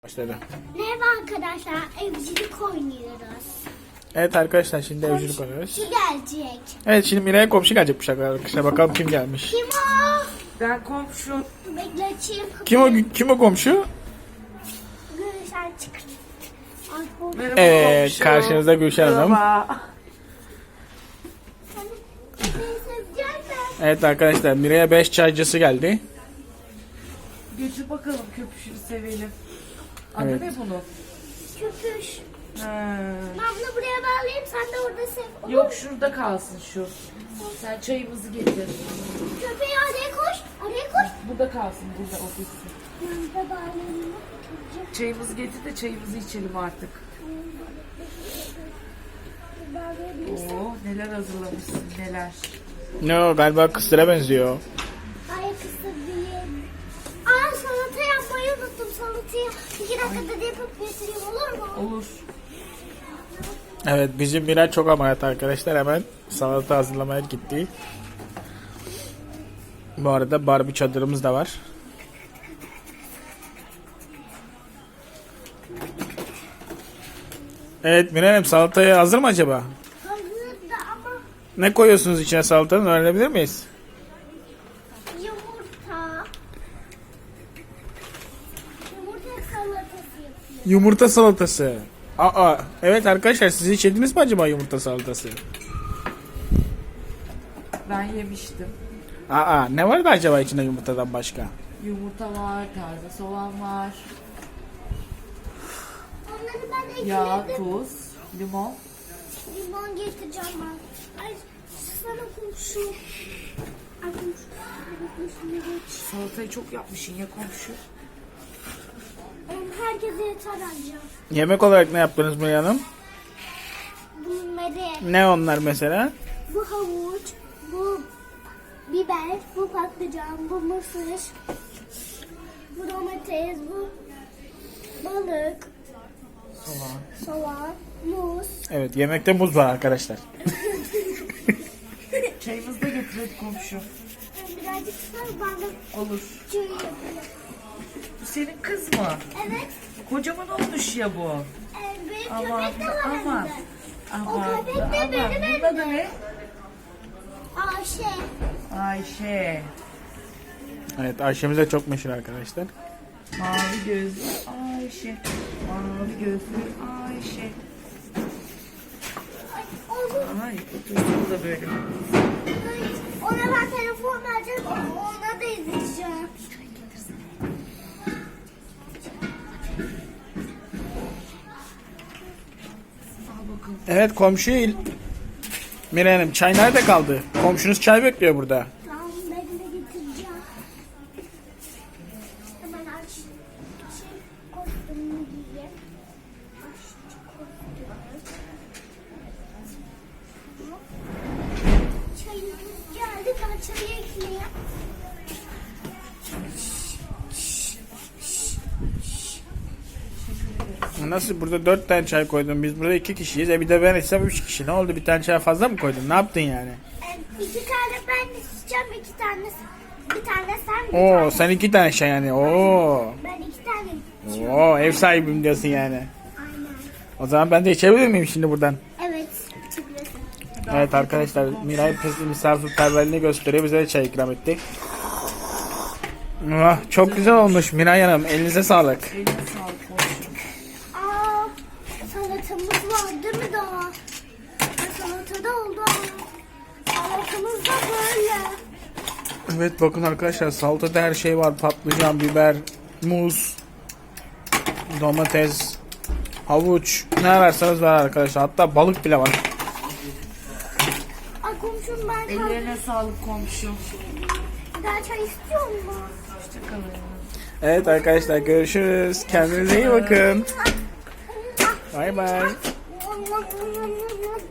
Başladı. Merhaba arkadaşlar, evcilik oynuyoruz. Evet arkadaşlar şimdi evcilik oynuyoruz. Komşu gelecek. Evet şimdi Miray'a komşu gelecekmiş arkadaşlar. Bakalım kim gelmiş. Kim o? Ben komşu. Bekleteyim. Kim o komşu? Gülşen çıkart. Ay, bu- Merhaba Evet komşu. karşınızda Gülşen Hanım. Merhaba. Neyse, gelme. Evet arkadaşlar Miray'a 5 çaycısı geldi. Götür bakalım köpüşünü sevelim. Adı Evet. ne bunun? Köpüş. Ha. Ben bunu buraya bağlayayım, sen de orada sev. Olur. Yok şurada kalsın şu. Sen çayımızı getir. Köpeği araya koş, araya koş. Burada kalsın burada ofisi. Ben de bağlayayım. Çayımızı getir de çayımızı içelim artık. Bağlayabilirsin. Oo neler hazırlamışsın neler. Ne o galiba kıstıra benziyor. Ay kısır değil. Aa, salata yapmayı unuttum, salatayı. 2 dakikada yapıp getireyim, olur mu? Olur. Evet bizim Miray çok ameliyat arkadaşlar, hemen salata hazırlamaya gitti. Bu arada Barbie çadırımız da var. Evet Miray Hanım salataya hazır mı acaba? Hazır da ama Ne koyuyorsunuz içine salatanın, öğrenebilir miyiz? yumurta. Yumurta salatası yapıyor. Yumurta salatası. Aa, evet arkadaşlar siz hiç yediniz mi acaba yumurta salatası? Ben yemiştim. Aa, ne vardı acaba içinde yumurtadan başka? Yumurta var, taze soğan var. Onları ben Yağ, ekledim. tuz, limon. Limon getireceğim ben. Ay, sana komşu. Ay komşu. Komşu geç. Salatayı çok yapmışsın ya komşu. Herkese yeter anca. Yemek olarak ne yaptınız Miray Hanım? Bunları. Ne onlar mesela? Bu havuç. Bu biber. Bu patlıcan. Bu mısır. Bu domates. Bu balık. Soğan. Muz. Evet yemekte muz var arkadaşlar. Çayımızı da getir komşu. Birazcık sar bana. Olur. Çay yapayım. Bu senin kız mı? Evet. Kocaman olmuş ya bu. Benim Aman köpek de var aman. evde. Aman. köpek de aman. benim Bunun adı evde. ne? Ayşe. Ayşe. Evet Ayşemiz de çok meşhur arkadaşlar. Mavi gözlü Ayşe. Mavi gözlü Ayşe. Ay, onu, Ay otursun da böyle. ona ben telefon vereceğim. Ona da izleyeceğim. Al bakalım. Evet komşu Miray Hanım çay nerede kaldı? Komşunuz çay bekliyor burada. Tamam, ben de getireceğim. Hemen aç. Kostümünü giyeyim. Aç kostümü. Çayımız geldi. Ben çayı ekleyeyim. Nasıl burada 4 tane çay koydun, biz burada 2 kişiyiz. Bir de ben içsem 3 kişi. Ne oldu, bir tane çay fazla mı koydun? Ne yaptın yani? 2 tane ben içeceğim. 2 tane bir tane sen. Bir Oo tane. sen 2 tane çay yani. Oo. Ben 2 tane. Oo ev sahibim diyorsun yani. Aynen. O zaman ben de içebilir miyim şimdi buradan? Evet. Çıkıyorsun. Evet arkadaşlar Miray misafirperverliğini gösteriyor. Bize de çay ikram etti. Ah, çok güzel olmuş Miray Hanım. Elinize sağlık. Eline sağlık komşu. Aa, salatamız var değil mi daha? Salata da oldu ama. Salatamız da böyle. Evet bakın arkadaşlar salatada her şey var. Patlıcan, biber, muz, domates, havuç. Ne ararsanız var arkadaşlar. Hatta balık bile var. Ay komşum, ben Ellerine sağlık komşu. daha çay istiyor mu? Hoşçakalın. Evet arkadaşlar görüşürüz. Kendinize iyi bakın. Bay bay.